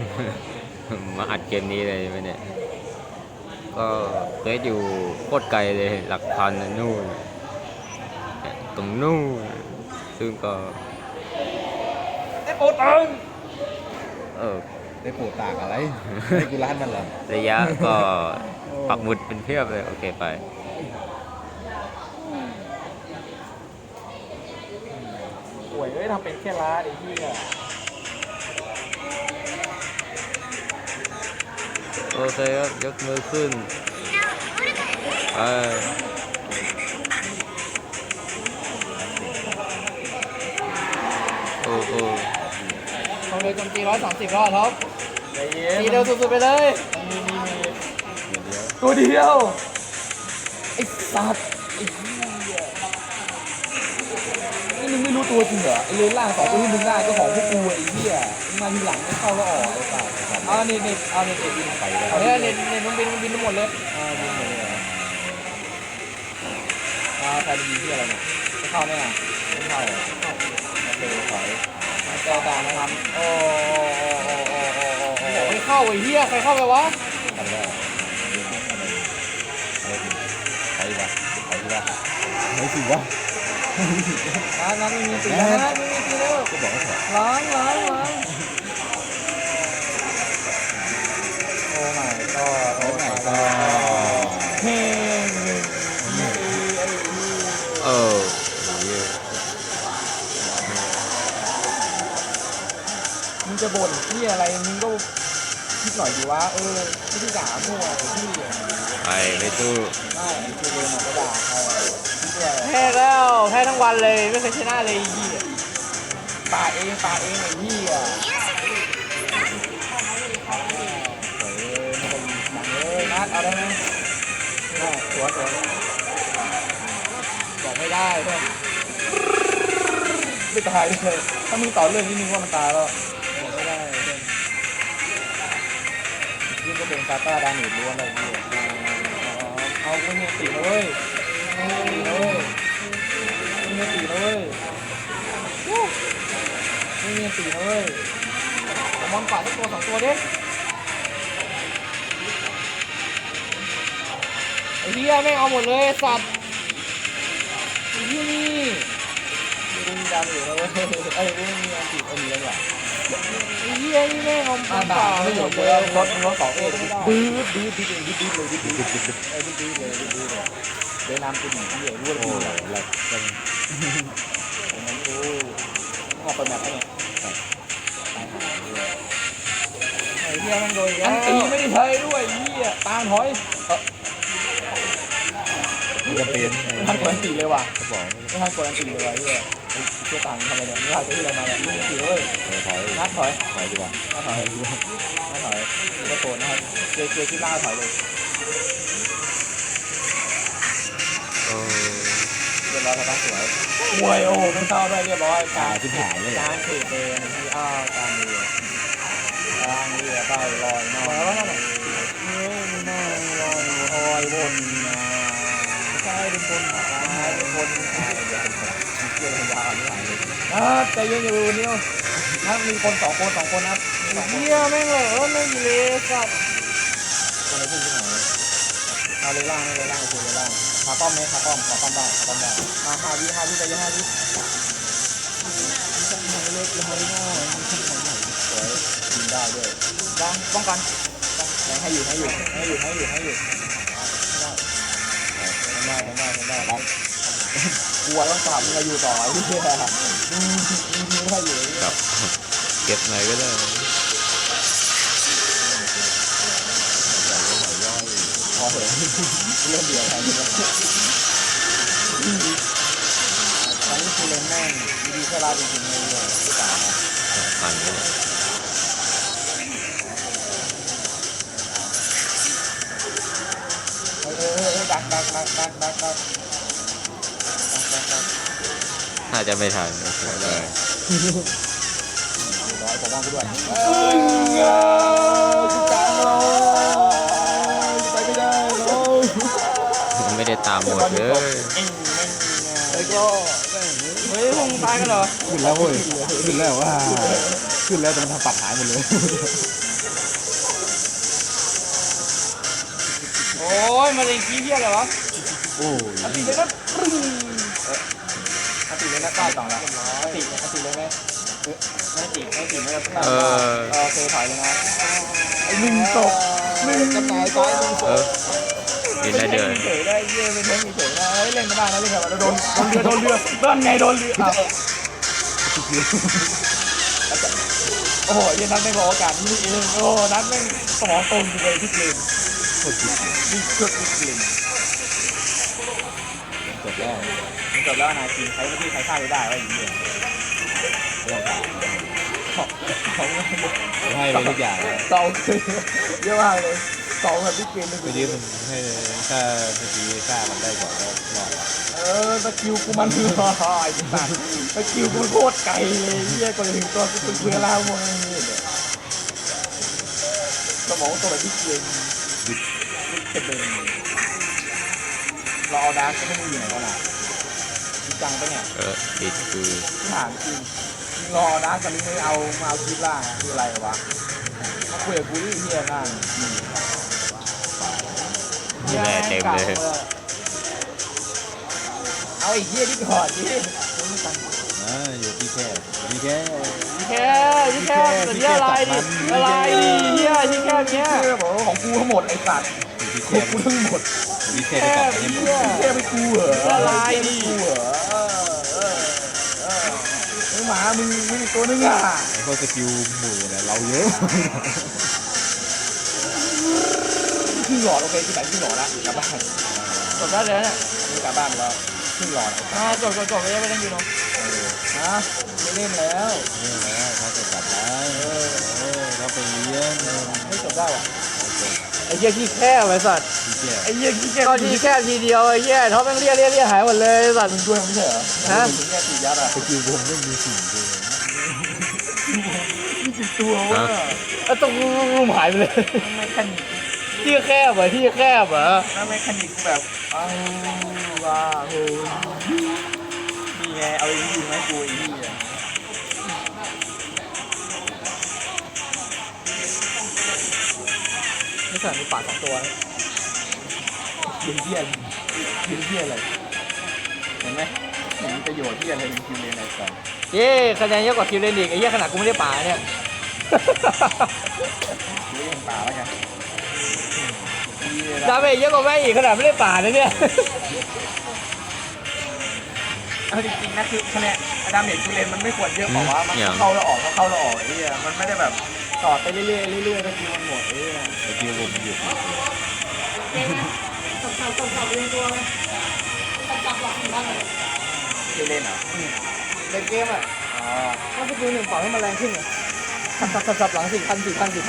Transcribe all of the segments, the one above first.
มาอัดเกมนี้เลยไหมเนี่ยก็เฟซอยู่โคตรไกลเลยหลักพันนะนู่นตรงนู่นซึ่งก็ได้โปรตังเออได้โปรตากอะไรให้กูร้านมันเหรอระยะก็ปักหมุดเป็นเพียบเลยโอเคไปป่วยเอ้ยทำเป็นแค่ร้านไอ้ที่อ่ะโอเคครับยกมือขึ้นไปโอ้โหเขาเลยโจมตี130 รอบท็อปใจเย็นตีเร็วสุดๆไปเลยมีตัวเดียวไอ้สัตว์ไอ้เหี้ยนี่มึงไม่รู้ตัวจริงเหรอไอ้เลนล่างสองตัวที่มึงได้ก็ของพวกกูไอ้เหี้ยมึงมาทีหลังไม่เข้าก็ออกไอ้สัตว์เอาเน็ตเอาเน็ตบินไปเลยเอาเนี่ยเน็ตมันบินทั้งหมดเลยบินไปเลยใครไปยิงที่อะไรเนี่ยไม่เข้าแน่ไม่เข้าโอเคถอยเจ้าตานะครับโอ้ไม่เข้าไอ้เหี้ยใครเข้าไปวะทำได้ใครวะใครวะไม่สิวะงั้นไม่มีตีนะไม่มีตีแล้วก็บอกให้ถอยล้างโอ้ my god โอ้ my god เฮ้เออมึงจะบ่นที่อะไรมึงก็คิดหน่อยดีวะไม่ใช่ด่ามั่วที่ไปไม่สู้ไม่คือเรียนมาก็ด่าใครแพ้แล้วแพ้ทั้งวันเลยไม่เคยชนะเลยไอ้เหี้ยปาเองไอ้พี่อ่ะนัดเอาได้ไหมได้สวยบอกไม่ได้ด้วยไม่ตายเลยถ้ามึงต่อเรื่องนี้มึงว่ามันตายแล้วบอกไม่ได้เลยยิ่งก็เป็นซาต้าดานิดล้วนเลยพี่เอาคุณเนี่ยตีนะเว้ยตีนะเว้ยคุณเนี่ยตีนะเว้ยคุณเนี่ยตีนะเว้ยมอนป่าสักตัว2 ตัวดิไอ้เหี้ยแม่งเอาหมดเลยสัตว์ไอ้เหี้ยนี่กูมีดาวอยู่แล้วเว้ยกูไม่มีอันติดมีแล้วเนี่ยไอ้เหี้ยนี่แม่งเอาป่าไม่หมดเลยรถสองเลยดื้อเลยดื้อเลยเดินนำเป็นหนึ่งที่รู้ว่าดีอะไรเป็นนั้นกูออกไปแบบนี้ไอ้เหี้ยมันโดนอันตีไม่ได้ใช้ด้วยเหี้ยตามถอยจะเป็นไม่ทันกดอันตีเลยว่ะไม่ทันกดอันตีเลยว่ะเหี้ยเชื่อตังค์ทำอะไรเนี่ยไม่ทันจะที่อะไรมาเนี่ยไม่ตีเลยนัดถอยดีกว่านัดถอยก็โกรธนะครับเจอที่ล่าถอยเลยเรียบร้อยครับสวยมวยโอ้ไม่เข้าด้วยเรียบร้อยการที่หายเลยการเทเป็นที่การเรือไปลอยนอนแล้วนั่นน่ะไม่น่าลอยลอยวนนะใช่เป็นคนใช่เป็นคนใช่เดี๋ยวเป็นคนเกี่ยวยาวนี่หายเลยใจเย็นอยู่นิวนะมีคน2 คนนะเหี้ยแม่งเลยไม่มีเลยสัตว์คนไหนพูดที่ไหนเอาเลยล่างเลยล่างคือเลยล่างขาป้อมไหมขาป้อมได้มา5 วิใจเย็น5 วิเล็กเลยหน่อยสวยยิงได้ด้วยป้องกันให้อยู่ได้กลัวต้องจับมึงอยู่ต่อไอ้เหี้ยมึงได้อยู่ครับเก็บไหนก็ได้พอเถอะเรื่องเดียวใครนี่ตอนนี้คือเล่นแม่งดีแค่ลาจริงๆเลยที่ตาผ่านเลยดักถ้าจะไม่ทันเลยร้อยผมว่างกูด้วยไปไม่ได้ไม่ได้ตามหมดเลยไอ้ก็เฮ้ยมึงตายกันเหรอขึ้นแล้วเว้ยขึ้นแล้วแต่มันทำปัดหายหมดเลยโอ้ยมาเลยขี้เหี้ยอะไรวะโอ้อันตีเลยนะอันตีเลยนะต้าต่อแล้วอันตีเลยไหมไม่ตีไม่ได้ต้าโอเคถอยเลยนะไอ้1 ศพ1 กระต่ายตาย1 ศเอพอกินได้เดือนเฉยได้เย่เป็นเทนเฉยนะเล่นไม่ได้นะเล่นแบบโดนเรือนั่นไงโดนเรือโอ้โหยันนัดไม่พอโอกาสนี่เองโอ้นัดแม่งสมองตรงอยู่เลยทุกเกมนี่สุดทุกเกมจบแล้วนาทีใช้ที่ใช้ฆ่าได้ว่าอย่างนี้ให้ไปทุกอย่างเตาคือเยอะมากเลยเตาแบบที่เกมเลยไปยืมมันให้ถ้าเมื่อกี้ฆ่ามันได้ก่อนก็รอดสกิลกูมันไอ้สัสสกิลกูโคตรไกลเลยเฮียก่อนถึงตัวกูเพื่อล่าพวกนี้สมองตัวแบบที่เกมเป็นเราเอาดาร์กไม่มีอยู่ไหนกันล่ะจริงจังปะเนี่ยติดคือถามจริงรอดาร์กกันนี้ไม่เอามาเอาคลิปล่าคืออะไรวะมาคุยกับกูที่เฮียนั่นนี่แหละเต็มเลยเอาไอ้เฮียที่ก่อนดิอยู่ที่แค่ที่แค่ที่แค่แต่ที่อะไรดิอะไรดิเหี้ยที่แค่เนี้ยเฮียบอกว่าของกูทั้งหมดไอ้สัตว์อยู่ที่ขแค่องกูทั้งหมดที่แค่ได้กลับมาให้หมดแค่ไม่กูเหรออะไรดิกูเหรอหมามึงอีกตัวนึงอ่ะไอ้พวกสกิลหมู่เนี่ยเราเยอะครึ่งหลอดโอเคที่ไหนครึ่งหลอดละกลับบ้านจบได้เลยเนี่ยมึงกลับบ้านแล้วครึ่งหลอดจบไม่ได้ไม่ต้องอยู่เนาะนะไม่เล่นแล้วนี่แล้วเขาจะกลับแล้วเขาไปเลี้ยงไม่จบได้ว่ะไอ้เหี้ยขี้แค่ไอ้สัตว์ที่แค่ไอ้เหี้ยขี้แค่ก็ที่แค่ทีเดียวไอ้เหี้ยท็อปแม่งเรียหายหมดเลยสัตว์มึงช่วยไม่ใช่เหรอฮะมึงแค่ตียัดอ่ะสกิลวงไม่มีสิ่งเลยมีกี่ตัววะแล้วตรงรูมหายไปเลยไม่แคนิกที่แคบเหรอที่แคบเหรอแล้วไม่แคนิกแบบอ้าวว้าโหนี่ไงเอาไอ้นี่ไหมกูไอ้นี่อ่ะไม่ใช่มีปาก2 ตัวนะเหี้ยเหี้ยอะไรเห็นไหมเห็นประโยชน์ที่อะไรเป็นคิวเลนไอ้สัสเย้คะแนนเยอะกว่าคิวเลนอีกไอ้เหี้ยขนาดกูไม่ได้ป่าเนี่ยเลี้ยงป่าแล้วกันดาเมจเยอะกว่าแม่อีกขนาดไม่ได้ป่านะเนี่ยเอาจริงๆนะคือคะแนนดาเมจคิวเลนมันไม่ควรเยอะกว่ามันเข้าแล้วออกเข้าแล้วออกไอ้เหี้ยมันไม่ได้แบบต่อไปเรื่อยๆเรื่อยๆแล้วคิวมันหมดไอ้เหี้ยสกิลวงหยุดคิวเลนเหรอในเกมอ่ะถ้าสกิล1ปล่อยให้มันแรงขึ้นสับหลัง4,000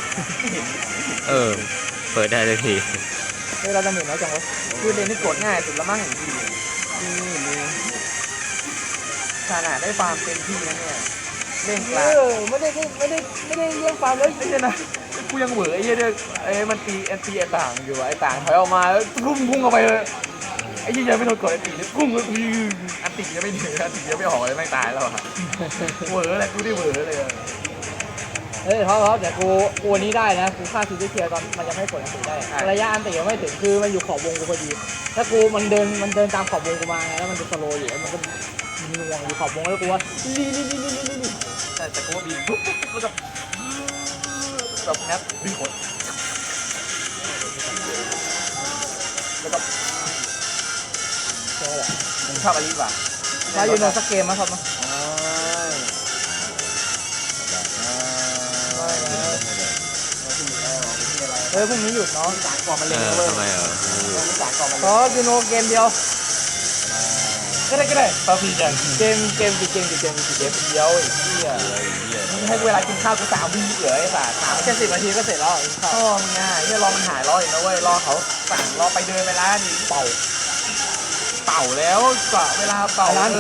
เปิดได้เลยทีเฮ้ยเราดาเมจน้อยจังวะคือเลนนี่กดง่ายสุดละมั้งนี่ขนาดได้ฟาร์มเต็มที่นะเนี่ยเล่นกลางไม่ได้เลี้ยงฟาร์มเลยไม่ใช่นะกูยังเหวอไอ้เหี้ยเนี่ยไอ้มันตีไอ้ต่างอยู่ไอ้ต่างถอยออกมาแล้วพุ่งออกไปเลยไอ้เหี้ยยังไม่โดนกดไอ้ตีเนี่ยพุ่งอันตียังไม่ถึงอันตียังไม่ออกเลยไม่ตายแล้วอะเหวอเลยกูได้เหวอเลยเฮ้ยท็อปเดี๋ยวกูวันนี้ได้นะกูฆ่าซีรีส์เทียตอนมันยังไม่กดอันตีได้ระยะอันตียังไม่ถึงคือมันอยู่ขอบวงกูพอดีถ้ากูมันเดินตามขอบวงกูมาไงแล้วมันจะสโลว์อยู่แล้วมันก็หน่วงอยู่ขอบวงแล้วกูว่าลีแต่กูว่าบีปุ๊บแล้วก็แบบแอปบีขดแล้วก็ใช่แหละชอบอะไรป่ะถ้าอยู่ในสักเกมมาครับมาเฮ้ยพรุ่งนี้หยุดเนาะสารก่อนมันเล่นเว้ยทำไมสารก่อนมันขอยูโนเกมเดียวก็ได้ตาฟีจังเกมเดียวอีกที่ให้เวลากินข้าวกู3 วิเหลือไอ้สัสแค่10 นาทีก็เสร็จแล้วกินข้าวพ่อมึงอ่ะเนี่ยรอมันหายรออีกนะเว้ยรอเขาสั่งรอไปเดินเวลาดิเป่าแล้วก็เวลาเป่าไป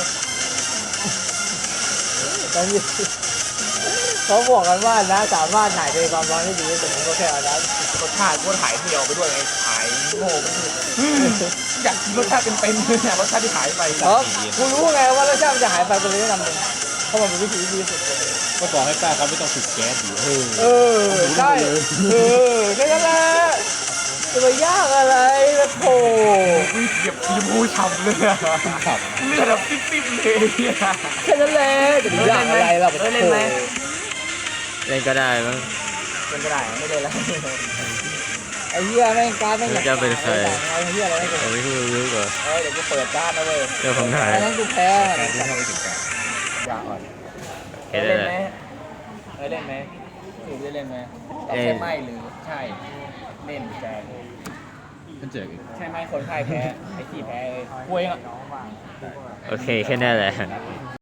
ตอนนี้เขาบอกกันว่านะสามารถถ่ายเป็นความร้อนได้ดีที่สุดมันก็แค่อันนั้นรสชาติกูถ่ายเดียวไปด้วยไงถ่ายโง่ไปอยากกินรสชาติเป็นๆเนี่ยรสชาติที่หายไปเพราะกูรู้ไงว่ารสชาติมันจะหายไปเป็นเรื่องนำหนึ่งเพราะมันเป็นวิธีที่ดีสุดเลยก็บอกให้ป้าเขาไม่ต้องติดแก๊สอยู่ใช่แค่นั้นแหละจะไปยากอะไรละโถวิ่งเหยียบทีมผู้ช้ำเลยอะขับเลือดแบบปิ๊บๆเลยอะแค่นั้นแหละจะไปยากอะไรล่ะเล่นไหมเล่นก็ได้มั้งเป็นก็ได้ไม่เล่นแล้วไอ้เหี้ยแม่งการแม่งอยากจะเป็นใครไอ้เหี้ยอะไรไม่เป็นผมไม่รู้ก่อนเดี๋ยวกูเปิดการ์ดนะเว้ยเรื่องของไหนไอ้นั้นกูแพ้การที่เข้าไปถึงกันอย่าอ่อนเห็นเล่นเลยไหมเล่นไหมหรือได้เล่นไหมตอบใช่ไม่หรือใช่เล่นแจกมันเจออีกใช่ไหมคนพ่ายแพ้ไอ้ที่แพ้เลยคุยอ่ะโอเคแค่นั้นแหละเ